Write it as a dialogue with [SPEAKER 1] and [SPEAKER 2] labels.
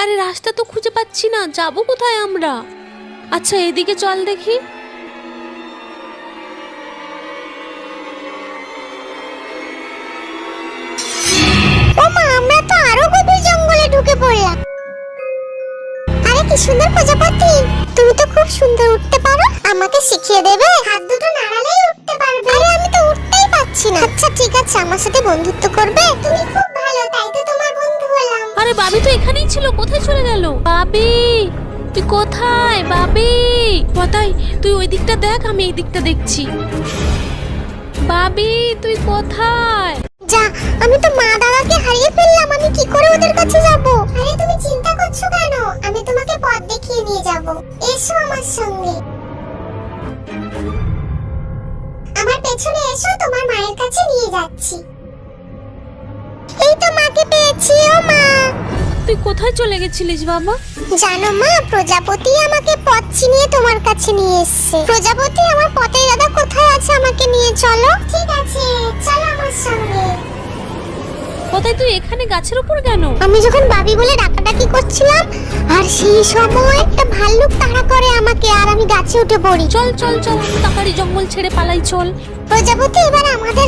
[SPEAKER 1] আরে রাস্তা তো খুঁজে পাচ্ছি না, যাবো কোথায় আমরা? আচ্ছা এদিকে চল দেখি।
[SPEAKER 2] ওমা, আমরা তো আরো গভীর জঙ্গলে ঢুকে পড়লাম। আরে কি সুন্দর প্রজাপতি, তুমি তো খুব সুন্দর উঠতে পারো, আমাকে শিখিয়ে দেবে? হাত দুটো নাড়ালেই উঠতে পারবে। আরে আমি তো উঠতেই পাচ্ছি না। আচ্ছা ঠিক আছে, আমার সাথে বন্ধুত্ব করবে? তুমি খুব ভালো, তাই তো তোমার বন্ধু হলাম।
[SPEAKER 1] আরে বাবি তো এখানেই ছিল, কোথায় চলে গেল? বাবি তুই কোথায়? বাবি কোথায়? তুই ওই দিকটা দেখ, আমি এই দিকটা দেখছি। বাবি তুই কোথায়?
[SPEAKER 2] যা, আমি তো মা দাদাকে হারিয়ে ফেললাম, আমি কি করে ওদের কাছে যাব? আরে তুমি চিন্তা করছো কেন, আমি তোমাকে পথ দেখিয়ে নিয়ে যাব। এসো আমার সঙ্গে, আমার পেছনে এসো, তোমার মায়ের কাছে নিয়ে যাচ্ছি। এই তো মাকে পেয়েছি। ও মা,
[SPEAKER 1] তুই কোথায় চলে গেছিলিস বাবা?
[SPEAKER 2] জানো মা, প্রজাপতি আমাকে পথ চিনিয়ে তোমার কাছে নিয়ে এসেছে। প্রজাপতি, আমার পথের দাদা কোথায় আছে, আমাকে নিয়ে চলো। ঠিক আছে, চলো আমার সঙ্গে।
[SPEAKER 1] কোথায়? তুই এখানে গাছের উপর কেন?
[SPEAKER 2] আমি যখন বাবি বলে ডাকাডাকি করছিলাম, আর সেই সময় একটা ভাল্লুক তাড়া করে আমাকে, আর আমি গাছে উঠে পড়ি।
[SPEAKER 1] চল চল চল, তাড়াতাড়ি জঙ্গল ছেড়ে পালাই, চল।
[SPEAKER 2] প্রজাপতি, এবার আমাদের